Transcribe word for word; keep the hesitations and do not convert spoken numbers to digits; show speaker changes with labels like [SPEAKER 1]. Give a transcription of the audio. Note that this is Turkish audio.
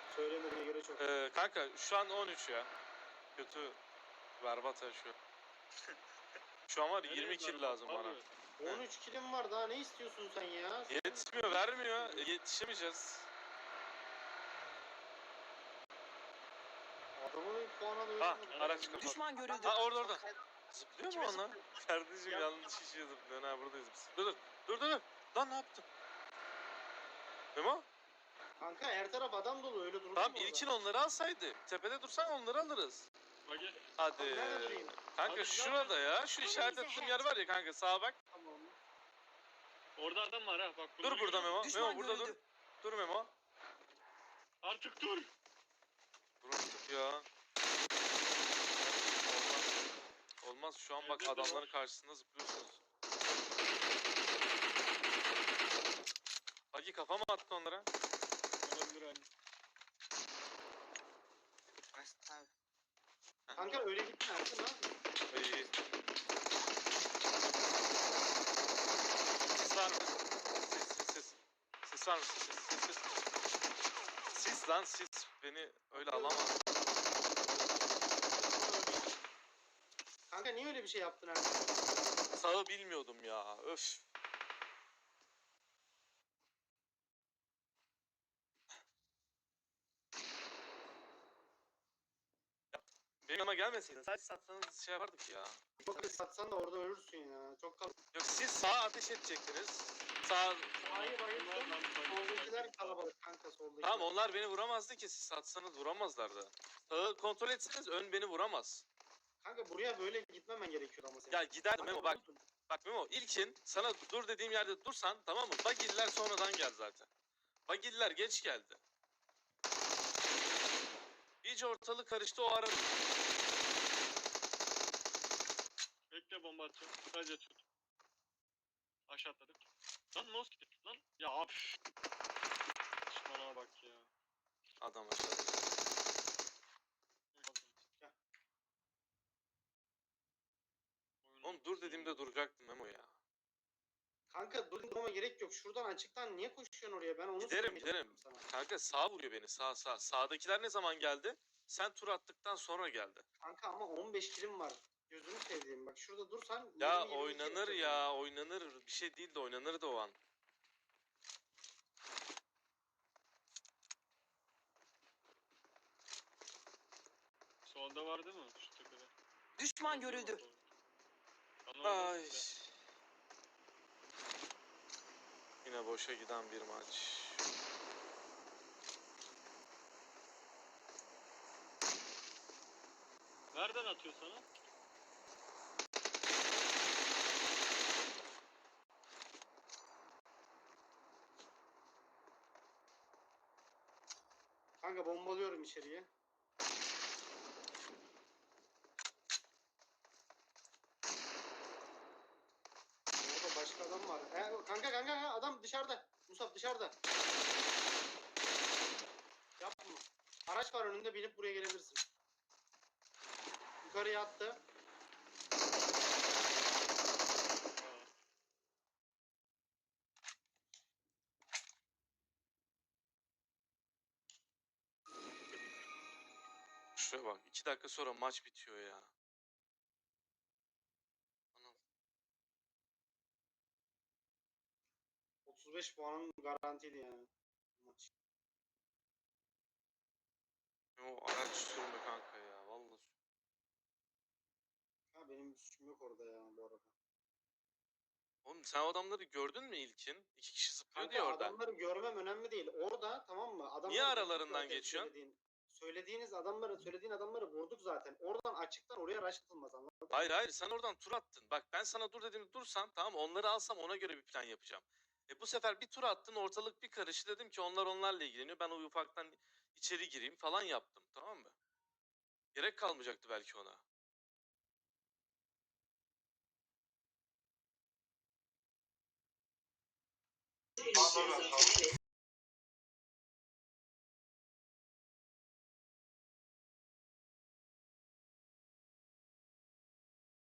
[SPEAKER 1] Söylemediğine göre çok.
[SPEAKER 2] Ee, kanka şu an on üç ya. Kötü berbat ya şu. Şu an var yirmi kill lazım bana.
[SPEAKER 1] on üç kilim var, daha ne istiyorsun sen ya? Sen...
[SPEAKER 2] Yetmiyor, vermiyor. E, yetişemeyeceğiz.
[SPEAKER 1] Adamın puana da
[SPEAKER 2] Ha, araç kapat.
[SPEAKER 3] Düşman görüldü.
[SPEAKER 2] Ha, orada orada. Zıplıyor mu
[SPEAKER 3] Kime
[SPEAKER 2] ona? Kardeşim yanlış işe zıplıyor. Ha, buradayız biz. Dur dur. Dur dur dur. Lan ne yaptın? Memo?
[SPEAKER 1] Kanka her taraf adam dolu, öyle durur
[SPEAKER 2] Tamam
[SPEAKER 1] mu
[SPEAKER 2] ilkin
[SPEAKER 1] orada?
[SPEAKER 2] onları alsaydı. Tepede dursan onları alırız.
[SPEAKER 4] Hadi.
[SPEAKER 2] Hadi.
[SPEAKER 1] Abi nerede durayım?
[SPEAKER 2] Kanka
[SPEAKER 4] Abi
[SPEAKER 2] şurada ya. Şu işaret ettiğim yer var ya kanka, sağa bak.
[SPEAKER 1] Tamam.
[SPEAKER 4] Orada adam var ha bak.
[SPEAKER 2] Dur burada Memo.
[SPEAKER 3] Düşman
[SPEAKER 2] Memo burada dur.
[SPEAKER 3] görüldü.
[SPEAKER 2] Dur Memo.
[SPEAKER 4] Artık dur.
[SPEAKER 2] Dur artık ya. Olmaz. Olmaz. Şu an bak
[SPEAKER 4] Evde de
[SPEAKER 2] adamların
[SPEAKER 4] var.
[SPEAKER 2] karşısında zıplıyorsunuz. Hagi kafa mı attı onlara?
[SPEAKER 4] Olabilir hani.
[SPEAKER 1] Kanka öyle gitme Ersin, ne yapıyorsun?
[SPEAKER 2] İyi. Sis var mı? Sis sis sis. Sis var mı? Sis sis sis. Sis lan sis. Beni öyle alamaz.
[SPEAKER 1] Kanka niye öyle bir şey yaptın Ersin?
[SPEAKER 2] Sağı bilmiyordum ya. Öf. Benim yanıma gelmeseydin sadece satsanız şey yapardık ya.
[SPEAKER 1] Çok da satsan da orada ölürsün ya. Çok kal...
[SPEAKER 2] Yok siz sağa ateş edecektiniz. Sağ...
[SPEAKER 1] Hayır hayır. Soldakiler kalabalık kanka, soldakiler.
[SPEAKER 2] Tamam onlar beni vuramazdı ki, siz satsanız vuramazlardı. Sağı kontrol etseniz ön beni vuramaz.
[SPEAKER 1] Kanka buraya böyle gitmemen gerekiyor ama senin.
[SPEAKER 2] Ya giderdim
[SPEAKER 1] Kanka
[SPEAKER 2] Memo bak.
[SPEAKER 1] vurdun.
[SPEAKER 2] Bak Memo ilkin sana dur dediğim yerde dursan tamam mı? Bagiller sonradan geldi zaten. Bagiller geç geldi. İyice ortalık karıştı o ara.
[SPEAKER 4] Bekle bomba atacağım. Sadece tut. Aşağı atladık. Lan nos gitti lan. Ya abi. Düşmana bak ya.
[SPEAKER 2] Adam aşağıda.
[SPEAKER 1] Gel.
[SPEAKER 2] Oğlum dur dediğimde duracaktım Memo ya.
[SPEAKER 1] Kanka durmama gerek yok. Şuradan açıktan niye koşuyorsun oraya? Ben onu
[SPEAKER 2] Giderim,
[SPEAKER 1] söylemeye
[SPEAKER 2] giderim.
[SPEAKER 1] çalışıyorum sana.
[SPEAKER 2] Kanka sağ vuruyor beni, sağ sağ. Sağdakiler ne zaman geldi? Sen tur attıktan sonra geldi.
[SPEAKER 1] Kanka ama on beş kilim var. Gözünü sevdiğim. Bak şurada dursan.
[SPEAKER 2] Ya
[SPEAKER 1] yirmi, yirmi iki
[SPEAKER 2] oynanır
[SPEAKER 1] yapacak
[SPEAKER 2] ya,
[SPEAKER 1] yani.
[SPEAKER 2] oynanır. Bir şey değil de oynanır da o an.
[SPEAKER 4] Solda var değil mi? Şu tepede.
[SPEAKER 3] Düşman görüldü.
[SPEAKER 2] Ay. Yine boşa giden bir maç.
[SPEAKER 4] Nereden atıyor sana?
[SPEAKER 1] Kanka bombalıyorum içeriye. Orada başka adam var. E, kanka kanka kanka adam dışarıda. Musab dışarıda. Yapma. Araç var önünde, binip buraya gelebilirsin. Yukarıya attı.
[SPEAKER 2] Şuraya bak. iki dakika sonra maç bitiyor ya. Anam.
[SPEAKER 1] otuz beş puanın garantiydi yani. Maç.
[SPEAKER 2] O araç sürme kanka ya. Vallahi.
[SPEAKER 1] Ha benim bir suçum yok orada ya bu arada.
[SPEAKER 2] Oğlum sen o adamları gördün mü ilkin? İki kişi zıplıyordu
[SPEAKER 1] Kanka
[SPEAKER 2] ya orada.
[SPEAKER 1] adamları görmem önemli değil. Orada tamam mı? Adamları
[SPEAKER 2] Niye
[SPEAKER 1] vurduk
[SPEAKER 2] aralarından
[SPEAKER 1] zaten,
[SPEAKER 2] geçiyorsun?
[SPEAKER 1] Söylediğin, söylediğiniz adamları, söylediğin adamları vurduk zaten. Oradan açıktan oraya rush atılmaz, anladın mı?
[SPEAKER 2] Hayır hayır sen oradan tur attın. Bak ben sana dur dediğimde dursan tamam onları alsam ona göre bir plan yapacağım. E bu sefer bir tur attın, ortalık bir karıştı, dedim ki onlar onlarla ilgileniyor. Ben o ufaktan içeri gireyim falan yaptım, tamam mı? Gerek kalmayacaktı belki ona.